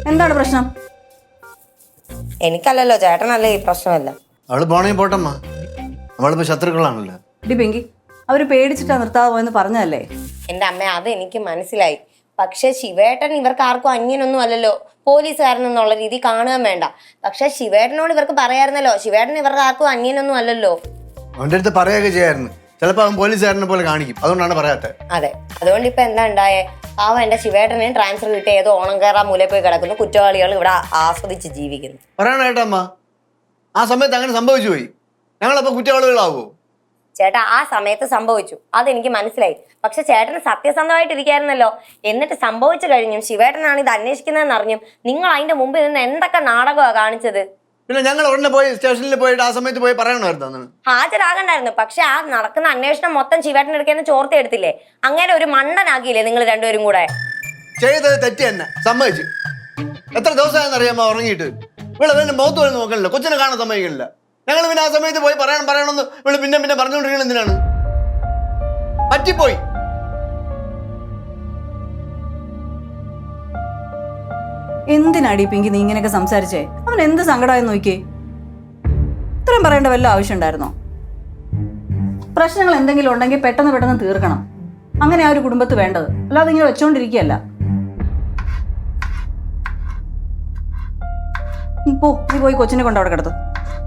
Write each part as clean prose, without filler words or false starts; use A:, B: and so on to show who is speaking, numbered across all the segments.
A: എന്താണ് പ്രശ്നം?
B: എനിക്കല്ലല്ലോ, ചേട്ടനല്ലേ ഈ പ്രശ്നമല്ല.
C: അവള് പോണേ പോട്ടമ്മ, അവളിപ്പോ ശത്രുക്കളാണല്ലോ.
A: ഡി പിങ്കി, അവര് പേടിച്ചിട്ടാ നിർത്താതെ പോയെന്ന് പറഞ്ഞതല്ലേ?
B: എന്റെ അമ്മ, അത് എനിക്ക് മനസ്സിലായി. പക്ഷെ ശിവേട്ടൻ ഇവർക്ക് ആർക്കും അന്യനൊന്നും അല്ലല്ലോ, പോലീസുകാരൻ എന്നുള്ള രീതി കാണുകയും വേണ്ട. പക്ഷെ ശിവേട്ടനോട് ഇവർക്ക് പറയായിരുന്നല്ലോ, ശിവേട്ടൻ ഇവർക്ക് ആർക്കും അന്യനൊന്നും അല്ലല്ലോ.
C: അവന്റെ അടുത്ത് പറയുകയൊക്കെ ചെയ്യായിരുന്നു. ചിലപ്പോ അവൻ പോലീസുകാരനെ പോലെ കാണിക്കും, അതുകൊണ്ടാണ് പറയാത്തത്.
B: അതെ, അതുകൊണ്ട് ഇപ്പൊ എന്താ ഉണ്ടായേ? പാവം എന്റെ ശിവേട്ടനെ ട്രാൻസ്ഫർ കിട്ടിയ ഏതോ ഓണം കയറാൻ മൂലയിൽ പോയി കിടക്കുന്നു, കുറ്റവാളികൾ ഇവിടെ ആസ്വദിച്ച് ജീവിക്കുന്നു.
C: പറയണേട്ടമ്മ, ആ സമയത്ത് അങ്ങനെ സംഭവിച്ചു പോയി. ഞങ്ങളപ്പോ കുറ്റവാളികളാവോ?
B: ചേട്ടാ, ആ സമയത്ത് സംഭവിച്ചു, അതെനിക്ക് മനസ്സിലായി. പക്ഷെ ചേട്ടന് സത്യസന്ധമായിട്ടിരിക്കായിരുന്നല്ലോ. എന്നിട്ട് സംഭവിച്ചു കഴിഞ്ഞും ശിവേട്ടനാണ് ഇത് അന്വേഷിക്കുന്നതെന്ന് അറിഞ്ഞും നിങ്ങൾ അതിന്റെ മുമ്പിൽ നിന്ന് എന്തൊക്കെ നാടകമാണ് കാണിച്ചത്?
C: പിന്നെ ഞങ്ങൾ ഉടനെ പോയി സ്റ്റേഷനിൽ പോയിട്ട് ആ സമയത്ത് പോയി പറയണമായിരുന്നു.
B: ഹാജരാകണ്ടായിരുന്നു. പക്ഷെ ആ നടക്കുന്ന അന്വേഷണം മൊത്തം ശിവേട്ടനെടുക്കുന്ന ചോർത്തി എടുത്തില്ലേ? അങ്ങനെ ഒരു മണ്ടനാക്കിയില്ലേ നിങ്ങൾ രണ്ടുപേരും കൂടെ?
C: ചെയ്തത് തെറ്റ് തന്നെ, സമ്മതിച്ചു. എത്ര ദിവസമായെന്ന് അറിയാമോ ഉറങ്ങിയിട്ട്? ഇവിടെ പിന്നെ മുഖത്ത് പോലും നോക്കണില്ല, കൊച്ചിനെ കാണാൻ സമ്മതിക്കില്ല. ഞങ്ങൾ പിന്നെ ആ സമയത്ത് പോയി പറയണമെന്ന് ഇവിടെ പിന്നെ പറഞ്ഞുകൊണ്ടിരിക്കണം. എന്തിനാണ്? പറ്റിപ്പോയി.
A: എന്തിനാടി പിങ്കി നീ ഇങ്ങനെയൊക്കെ സംസാരിച്ചേ? അവൻ എന്ത് സങ്കടമായെന്ന് നോക്കിയേ. ഇത്രയും പറയേണ്ട വല്ല ആവശ്യം ഉണ്ടായിരുന്നോ? പ്രശ്നങ്ങൾ എന്തെങ്കിലും ഉണ്ടെങ്കിൽ പെട്ടെന്ന് തീർക്കണം. അങ്ങനെ ആ ഒരു കുടുംബത്ത് വേണ്ടത്, അല്ലാതെ ഇങ്ങനെ വെച്ചോണ്ടിരിക്കുകയല്ല. നീ പോയി കൊച്ചിനെ കൊണ്ട് അവിടെ കിടത്തു.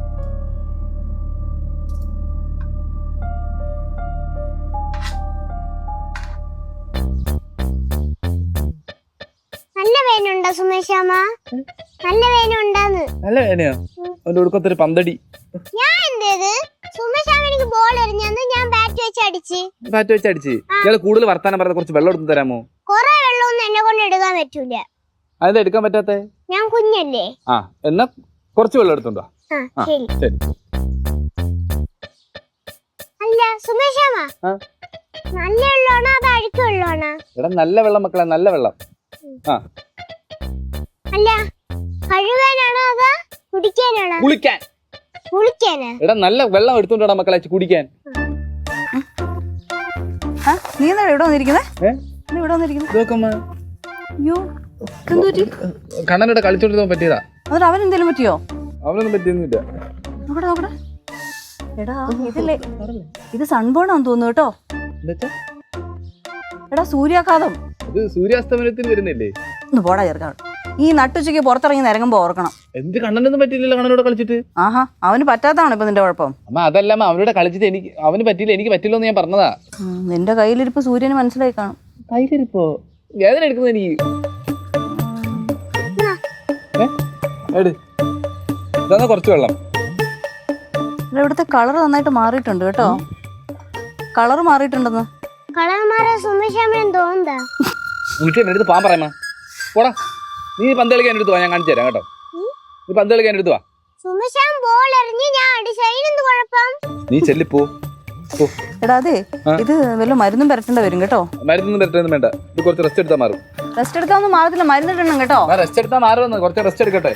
D: നല്ല വേനുണ്ടോ സുമേഷാമ്മ? നല്ല വേനുണ്ടാന്ന്.
E: നല്ല വേനയോ? അവന്റെ ഒടുക്കത്തൊരു പന്തടി.
D: ഞാൻ എന്തേത്? സുമേഷാമ്മ എനിക്ക് ബോൾ എറിഞ്ഞന്ന് ഞാൻ ബാറ്റ് വെച്ച് അടിച്ച്.
E: ഇയാള് കൂടുതൽ വർത്താനം പറഞ്ഞ കുറച്ച് വെള്ളം എടുത്ത് തരാമോ?
D: കൊറേ വെള്ളമൊന്നും എന്നെ കൊണ്ട് എടുക്കാൻ പറ്റൂല.
E: അതെന്താ എടുക്കാൻ പറ്റാത്തെ?
D: ഞാൻ കുഞ്ഞല്ലേ.
E: ആ, എന്നാ കുറച്ച് വെള്ളം എടുത്തോണ്ടോ.
D: ശരി.
E: ശരി.
D: അല്ല സുമേഷാമ്മ, നല്ല വെള്ളമാണോ അത് അഴുക്ക് വെള്ളമാണോ?
E: എടാ നല്ല വെള്ളം മക്കളെ, നല്ല വെള്ളം. ആ,
D: അല്ല കഴുകാനാണോ അതോ കുടിക്കാനാണോ? കുളിക്കാനാ?
E: എടാ നല്ല വെള്ളം എടുത്തോണ്ടാ മക്കളെ കുടിക്കാൻ.
A: നീ എന്താ ഇവിടെ വന്നിരിക്കുന്നേ?
E: കണ്ണനോട് കളിച്ചോണ്ടിരുന്ന പറ്റിയതാ.
A: എന്നിട്ട് അവൻ എന്തേലും പറ്റിയോ?
E: അവനൊന്നും പറ്റിയൊന്നുമില്ല.
A: നോക്കട്ടെ. എടാ ഇതില്ലേ, ഇത് സൺബേൺ ആണെന്ന് തോന്നുന്നു കേട്ടോ. എടാ സൂര്യാഘാതം.
E: ഇത് സൂര്യാസ്തമനത്തിന് വരുന്നില്ലേ?
A: ഒന്ന് പോടാ ചേർക്കാണ്. ഈ നട്ടുച്ചയ്ക്ക് പുറത്തിറങ്ങി നിരങ്ങുമ്പോ ഓർക്കണം.
E: എന്ത് കണ്ണനൊന്നും പറ്റിയില്ലല്ലോ കണ്ണനോട് കളിച്ചിട്ട്?
A: ആഹാ, അവന് പറ്റാത്തതാണ് ഇപ്പൊ നിന്റെ കുഴപ്പം.
E: അമ്മ അതല്ല അവനോട് കളിച്ചിട്ട് അവന് പറ്റിയില്ല, എനിക്ക് പറ്റില്ലോ എന്ന് ഞാൻ പറഞ്ഞതാ.
A: നിന്റെ കയ്യിലിരിപ്പ് സൂര്യന് മനസ്സിലായി കാണും.
E: കയ്യിലിരിപ്പോ? വേദന എടുക്കുന്നത് എനിക്ക്. ഇതാ കുറച്ച് വെള്ളം.
A: ഇവിടുത്തെ കളർ നന്നായിട്ട് മാറിയിട്ടുണ്ട് കേട്ടോ. കളർ മാറിയിട്ടുണ്ടെന്ന്.
D: കളർ മാറാൻ സുമേഷാമ്മ തോന്നുന്നതാ.
E: എനിക്ക് എന്റെ അടുത്ത് പോകാൻ പറയാമ. പോടാ, നീ പന്ത് കളിക്കാൻ എടുത്തു വാ, ഞാൻ കാണിച്ചു തരാം കേട്ടോ. നീ പന്ത് കളിക്കാൻ എടുത്തു വാ.
D: സുമേഷാമ്മ ബോൾ എറിഞ്ഞ് ഞാൻ അടിച്ചതിനെന്ത് കുഴപ്പം?
E: നീ ചെല്ലിപ്പോ.
A: എടാ അതെ, ഇത് വല്ല മരുന്നും പരട്ടേണ്ട വരും കേട്ടോ.
E: മരുന്നൊന്നും പരട്ടൊന്നും വേണ്ട, ഇത് കുറച്ച് റെസ്റ്റ് എടുത്താൽ മാറും.
A: റെസ്റ്റ് എടുത്താൽ ഒന്നും മാറത്തില്ല, മരുന്നിടണം കേട്ടോ.
E: റെസ്റ്റ് എടുത്താൽ മാറുമെന്ന്, കുറച്ച് റെസ്റ്റ് എടുക്കട്ടെ.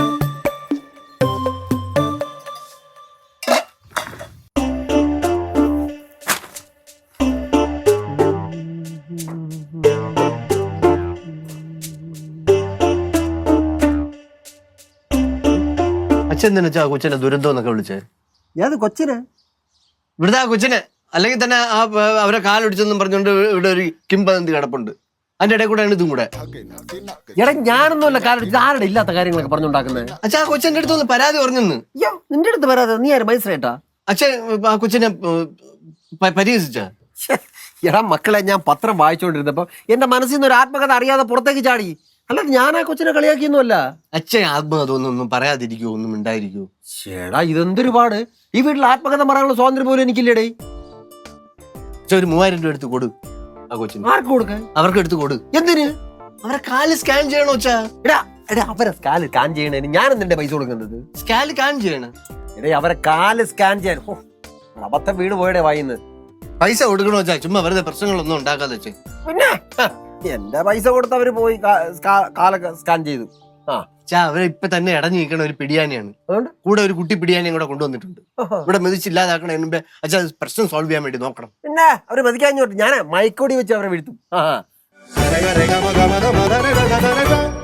C: അച്ഛൻ എന്തിനാ കൊച്ചിനെ ദുരന്തം എന്നൊക്കെ വിളിച്ചേ?
F: ഏത് കൊച്ചിന്?
C: ഇവിടുത്തെ ആ കൊച്ചിനെ. അല്ലെങ്കിൽ തന്നെ ആ അവരെ കാലൊടിച്ചെന്നും പറഞ്ഞുകൊണ്ട് ഇവിടെ ഒരു കിംബദന്തി കിടപ്പുണ്ട്. അതിന്റെ ഇടയിൽ കൂടെ ഇതും കൂടെ.
F: എടാ ഞാനൊന്നുമല്ല കാലൊടിച്ചത്. ആരുടെ ഇല്ലാത്ത കാര്യങ്ങളൊക്കെ പറഞ്ഞുണ്ടാക്കുന്നത്?
C: അച്ഛാ, ആ കൊച്ചിന്റെ അടുത്ത് ഒന്ന് പരാതി പറഞ്ഞെന്ന്.
F: നിന്റെ അടുത്ത് പരാതി? നീ ആര് മജിസ്ട്രേറ്റാ?
C: അച്ഛൻ ആ കൊച്ചിനെ പരിഹസിച്ച.
F: എടാ മക്കളെ, ഞാൻ പത്രം വായിച്ചോണ്ടിരുന്നപ്പോ എന്റെ മനസ്സിൽ നിന്ന് ഒരു ആത്മകഥ അറിയാതെ പുറത്തേക്ക് ചാടി. അല്ലാതെ ഞാൻ ആ കൊച്ചിനെ കളിയാക്കിയൊന്നുമല്ല.
C: അച്ഛൻ ആത്മകഥ ഒന്നും പറയാതിരിക്കുവോ, ഒന്നും ഉണ്ടായിരിക്കുവോ?
F: ചേടാ ഇതെന്തൊരു പാട്. ഈ വീട്ടിൽ ആത്മകഥ പറയാനുള്ള സ്വാതന്ത്ര്യം പോലും എനിക്കില്ലേടേ.
C: ഒരു 3000 രൂപ എടുത്ത് കൊടു ആ കൊച്ചിന്.
F: ആർക്ക് കൊടുക്കാൻ?
C: അവർക്ക് എടുത്ത് കൊടു.
F: എന്തിന്?
C: അവരെ കാല് സ്കാൻ ചെയ്യണോ അച്ഛാ?
F: എടാ അവരെ കാല് സ്കാൻ ചെയ്യണേന് ഞാൻ എന്തിന്റെ പൈസ കൊടുക്കുന്നത്?
C: സ്കാൻ ചെയ്യണം.
F: എടേ അവരെ കാല് സ്കാൻ ചെയ്യാൻ അബദ്ധം വീട് പോയടേ വായിന്ന്.
C: പൈസ കൊടുക്കണോ അച്ഛാ? ചുമ്മാ വെറുതെ പ്രശ്നങ്ങളൊന്നും ഉണ്ടാക്കാതെ വെച്ചേ.
F: പിന്നെ എന്റെ പൈസ കൊടുത്ത് അവര് പോയി കാലൊക്കെ സ്കാൻ ചെയ്തു.
C: അവരെ ഇപ്പൊ തന്നെ ഇടഞ്ഞു നിൽക്കണ ഒരു പിടിയാനിയാണ്.
F: അതുകൊണ്ട്
C: കൂടെ ഒരു കുട്ടി പിടിയാനിയും കൂടെ കൊണ്ടുവന്നിട്ടുണ്ട്. ഇവിടെ മെതിച്ചില്ലാതാക്കണ മുമ്പേ അച്ഛാ പ്രശ്നം സോൾവ് ചെയ്യാൻ വേണ്ടി നോക്കണം.
F: പിന്നെ അവര് മെതിക്കാൻ ഞാൻ മയക്കോടി വെച്ച് അവരെ വീഴ്ത്തും.